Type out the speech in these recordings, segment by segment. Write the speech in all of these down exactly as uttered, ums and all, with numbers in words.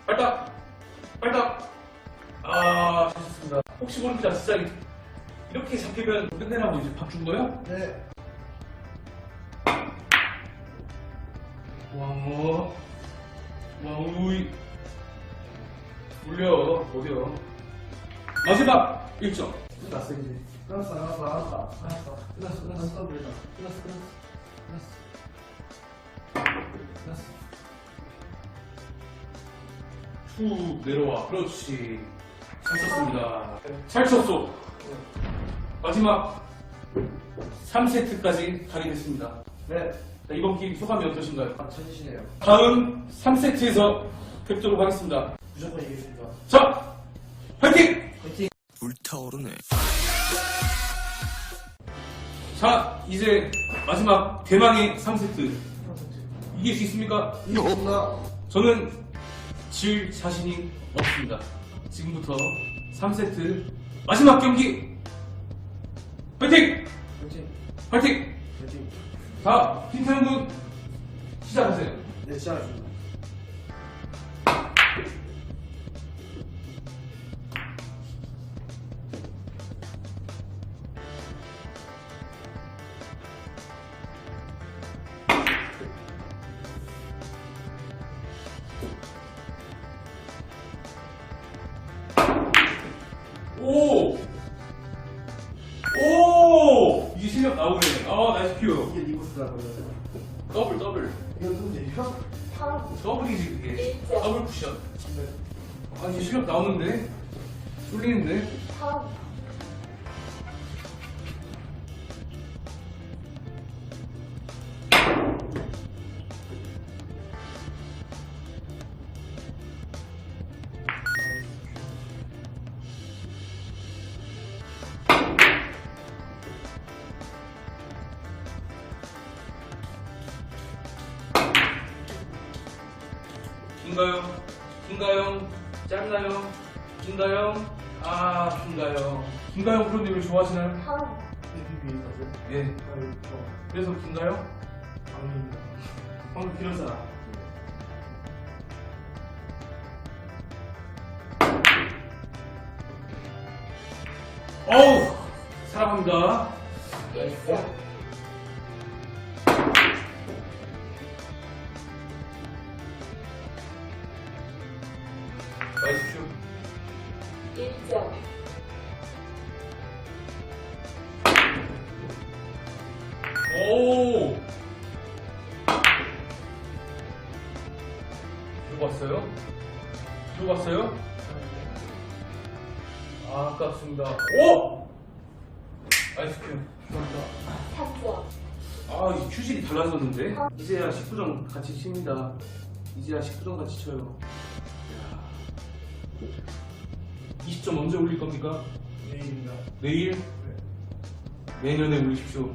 발딱! 발딱! 아, 좋습니다. 혹시 모릅니다. 진짜 이렇게 잡히면 끝내라고 이제 밥 준 거예요? 네. 왕어. 왕우이. 올려. 어디요? 마지막 일 점. 끝났어 이제. 끝났어 끝났어 끝났어 끝났어 끝났어 끝났어 끝났어 끝났어 끝났어 끝났어. 툭 내려와. 그렇지. 잘 쳤습니다. 잘 쳤어. 마지막 삼 세트까지 가리겠습니다. 네. 자, 이번 게임 소감이 어떠신가요? 아 천지시네요. 다음 삼 세트에서 뵙도록 하겠습니다. 무조건 이기겠습니다. 자, 화이팅! 화이팅. 불타오르네. 자, 이제 마지막 대망의 삼 세트. 이길 수 있습니까? 이기겠습니다. 저는 질 자신이 없습니다. 지금부터 삼 세트 마지막 경기 화이팅! 화이팅. 화이팅! 화이팅. 자, 김태형 군 시작하세요. 네 시작하겠습니다. 오! 오! 이제 실력 나오네. 아, 나이스 큐. 이게 리버스다 걸려요. 더블, 더블. 이거 누군데요? 더블이지, 그게. 더블 쿠션. 네. 아, 이제 실력 나오는데? 쏠리는데? 긴가요? 긴가요? 짧나요? 긴가요? 아, 긴가요? 긴가요 프로님을 좋아하시나요? 비비비 있었어요? 예. 아유 저 그래서 긴가요? 아닙니다. 방금 길었잖아. 어우! 사랑합니다. 나이스 큐. 일 점. 오! 들어갔어요? 들어갔어요? 아, 아깝습니다. 오! 나이스 큐. 삼 점. 아, 이 큐질이 달라졌는데? 이제야 십구 점 같이 칩니다. 이제야 십구 점 같이 쳐요. 이야. 이십 점 언제 올릴 겁니까? 내일입니다. 내일? 내년에 올리십시오.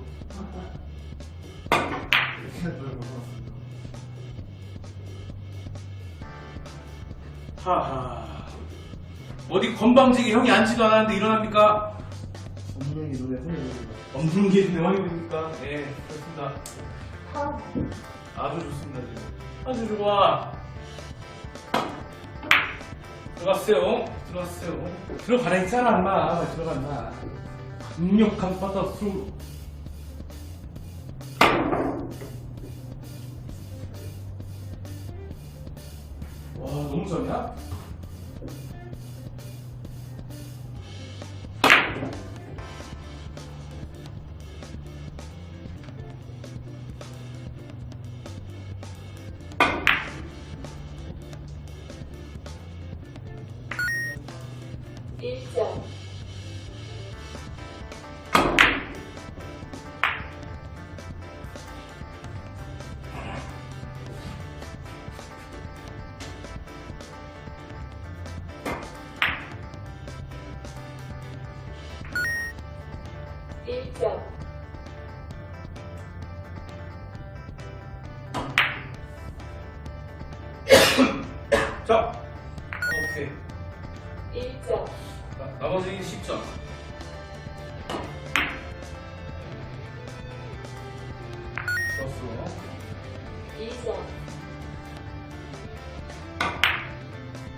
하하. 어디 건방지게 형이 앉지도 않았는데 일어납니까? 없는 게 눈에 흔히 없는 게 대왕입니까? 네, 그렇습니다. 삼. 아주 좋습니다, 지금. 아주 좋아. 들어갔어요. 들어갔어요. 들어가라 했잖아, 인마. 들어갔나. 강력한 바다스로. 와, 너무 잘이야? 일 점. 일 점. 자, 오케이. 일 점. 나, 나머지 십 점. 좋았어. 이 점.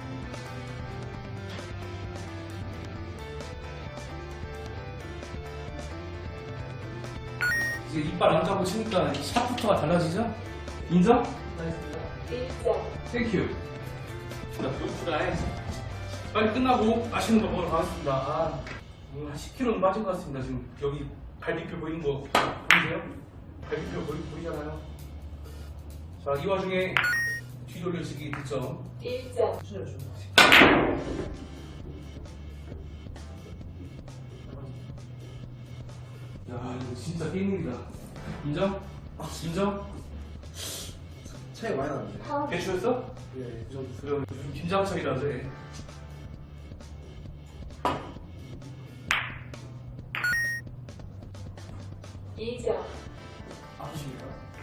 이제 이빨 안 까고 치니까 샷부터가 달라지죠? 인정? 일 점. 땡큐. 자, 굿프라이. 빨리 끝나고 맛있는 거 먹으러 가겠습니다. 아, 오늘 한 십 킬로는 빠진 것 같습니다. 지금 여기 갈비뼈 보이는 거 보이세요? 갈비뼈 보이, 보이잖아요. 자, 이 와중에 뒤돌려치기 득점. 일 점. 야, 이거 진짜 게임이다. 인정? 인정? 차이 많이 나는데. 턴. 배추였어? 예. 좀, 좀 김장철이라서 해. 이 점. 아프십니까?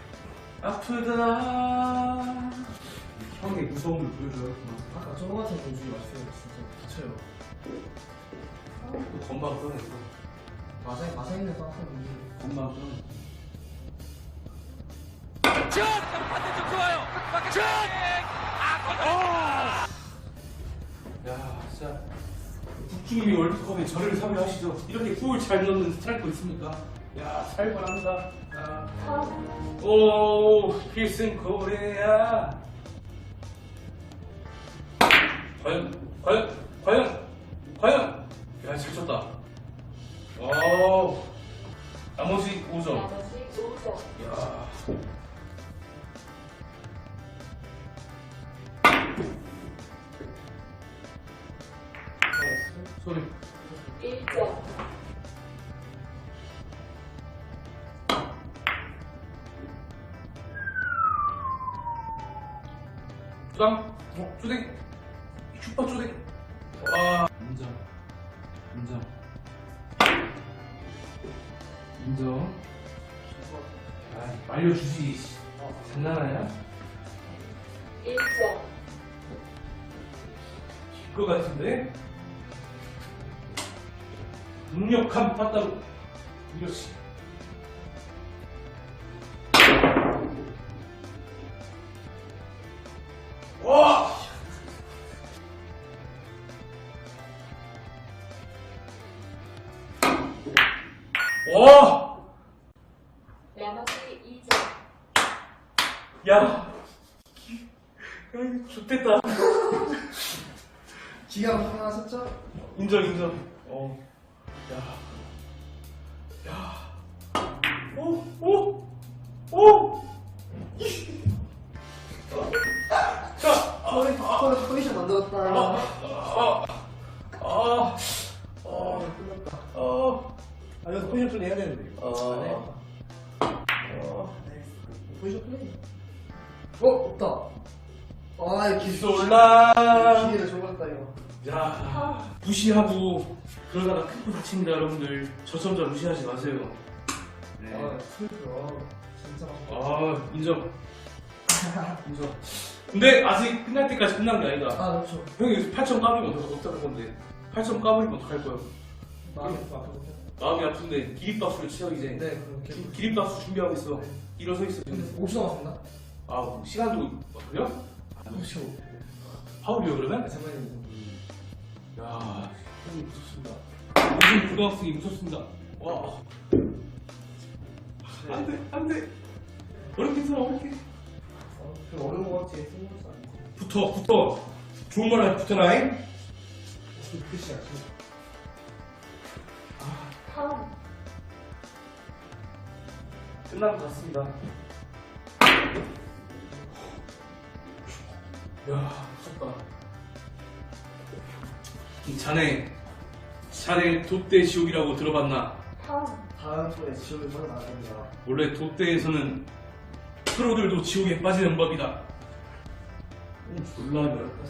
아프다. 형의 무서움을 보여줘요. 아까 저거 같은 공주이 맛있어요. 진짜 다쳐요. 또 건방 떠냈어. 마사 마사 있는 따뜻한 공주. 건방 떠냈어. 슛! 반대쪽 좋아요. 슛! 아, 야, 진짜 북중미 월드컵에 저를 섭외하시죠. 이렇게 골 잘 넣는 스트라이커 있습니까? 야, 살벌합니다. 야. 턴. 오, 필승 코리아. 과연, 과연, 과연, 과연. 야, 잘 쳤다. 오, 나머지 오 점. 나머지 오 점. 야. 소리. 일 점. 주당, 어, 쪼댕, 슈퍼 쪼댕. 와, 인정, 인정, 인정. 야, 말려주지. 장난하냐? 일 점. 것 같은데? 강력한 빠따로 이렇지. 와! 와! 나머지 이 점. 야! 에이, 좋겠다. 기가 하나 섰죠? 인정, 인정. 어. 야. 야. 오, 오, 오! 자, 포지- 포지- 포지션 만들었다. 아, 아, 아, 아, 끝났다. 아, 아, 여기서 포지션 플레이 해야 되는데. 이거. 아. 안 해. 아. 포지션 플레이. 어, 없다. 아, 이 기, 기솔라. 기회를 줘봤다, 이거. 야, 무시하고 그러다가 큰코 다칩니다, 여러분들. 저점자 무시하지 마세요. 네. 아, 슬퍼. 진짜 맛있다. 아, 인정. 인정. 근데 아직 끝날 때까지 끝난 게 아니다. 아, 그렇죠. 형이 여기서 팔 점 까불면 어떡- 어떡할 건데? 팔 점 까불면 어떡할 거야? 마음이 아프거든요. 마음이 아픈데 기립박수를 치어 이제. 네, 그렇게. 기- 기립박수 준비하고 있어. 네. 일어서 있어. 근데 지금. 오 초 남았습니다. 아, 뭐 시간도 아, 그래요? 오 초. 파울이요 그러면? 장난입니다. 야, 형이 무섭습니다. 요즘 고등학생이 무섭습니다. 와. 안 돼, 안 돼. 어렵게 써, 어렵게. 어, 그 어려운 거 같지? 쓴 것도 아니고. 붙어, 붙어. 좋은 말 하지, 붙어라잉. 무슨 끝이야, 지금. 턴. 끝난 것 같습니다. 야, 무섭다. 이 자네, 자네 돛대 지옥이라고 들어봤나? 턴. 다음 번에 지옥을 전혀 나갑니다. 원래 돛대에서는 프로들도 지옥에 빠지는 법이다. 음, 졸라 어렵다.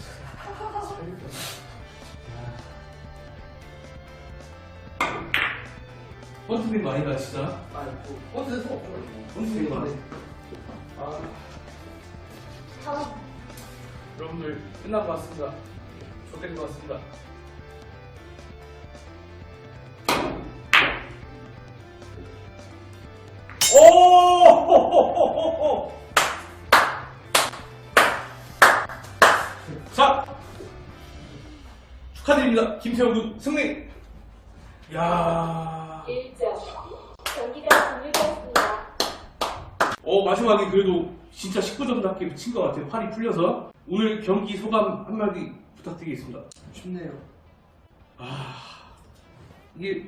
번트된 거 아니다, 진짜? 아, 뭐, 어쩔 수 없죠. 번트된 거 아니야? 아, 턴. 여러분들 끝난 것 같습니다. 좋된 것 같습니다. 오! 자, 축하드립니다. 김태형 군 승리. 야. 일 점. 경기가 종료되었습니다. 어, 마지막에 그래도 진짜 십구 점답게 친 것 같아요. 팔이 풀려서. 오늘 경기 소감 한마디 부탁드리겠습니다. 춥네요. 아, 이게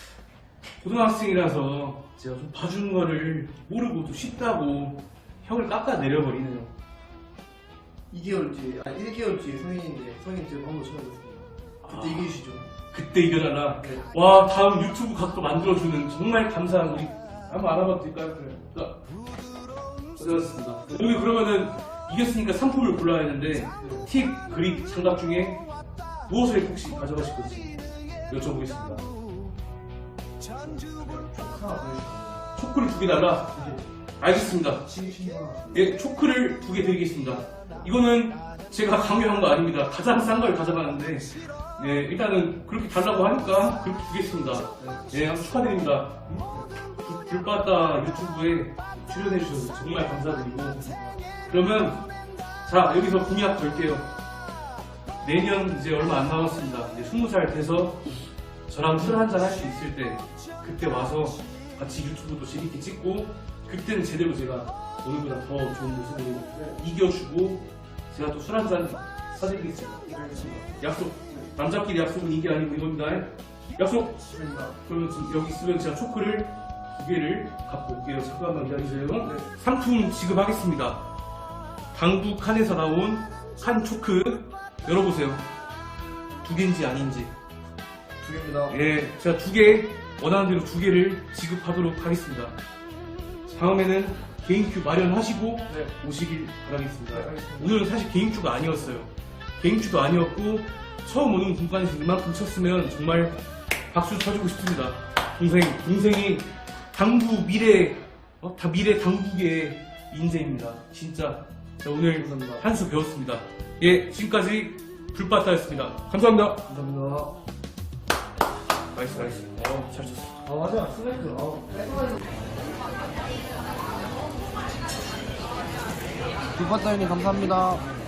고등학생이라서 제가 좀 봐준 거를 모르고 또 쉽다고 형을 깎아 내려버리네요. 이 개월 뒤에, 아 일 개월 뒤에 성인인데 성인 지금 한번 쳐야겠습니다. 그때 아. 이기시죠. 그때 이겨라라. 네. 와, 다음 유튜브 각도 만들어주는 정말 감사한 우리 한번 알아봐도 될까요? 자, 고생하셨습니다. 오늘 그러면은 이겼으니까 상품을 골라야 하는데 팁, 그립, 장갑 중에 무엇을 혹시 가져가실 건지 여쭤보겠습니다. 하나 보여주세요. 초크를 두 개 달라. 알겠습니다. 치킨이 하나. 예, 초크를 두 개 드리겠습니다. 이거는 제가 강요한 거 아닙니다. 가장 싼 걸 가져가는데, 예, 일단은 그렇게 달라고 하니까 그렇게 드리겠습니다. 예, 한번 축하드립니다. 불- 불바다 유튜브에 출연해주셔서 정말 감사드리고, 그러면, 자, 여기서 공약 걸게요. 내년 이제 얼마 안 남았습니다. 이제 스무 살 돼서 저랑 술 한잔 할 수 있을 때, 그때 와서 같이 유튜브도 재밌게 찍고, 그때는 제대로 제가 오늘보다 더 좋은 모습으로 이겨주고 제가 또 술 한잔 사드리겠습니다. 알겠습니다. 약속. 남자끼리 약속은 이게 아니고 이겁니다. 약속. 축하드립니다. 그러면 지금 여기 있으면 제가 초크를 두 개를 갖고 올게요. 잠깐만 기다리세요. 네. 상품 지급하겠습니다. 당구 칸에서 나온 칸 초크 열어보세요. 두 개인지 아닌지. 두 개입니다. 예, 제가 두 개, 원하는 대로 두 개를 지급하도록 하겠습니다. 다음에는 개인큐 마련하시고 네. 오시길 바라겠습니다. 네, 알겠습니다. 오늘은 사실 개인큐가 아니었어요. 개인큐도 아니었고 처음 오는 공간에서 이만큼 쳤으면 정말 박수 쳐주고 싶습니다. 동생, 동생이 당구 미래, 어? 다 미래 당구계의 인재입니다. 진짜 자, 오늘 감사합니다. 한 수 배웠습니다. 예, 지금까지 불바다였습니다. 감사합니다. 감사합니다. 나이스, 나이스. 어, 잘 쳤어. 아 맞아. 스매크. 아 깔끔하게. 불바다 형님 감사합니다.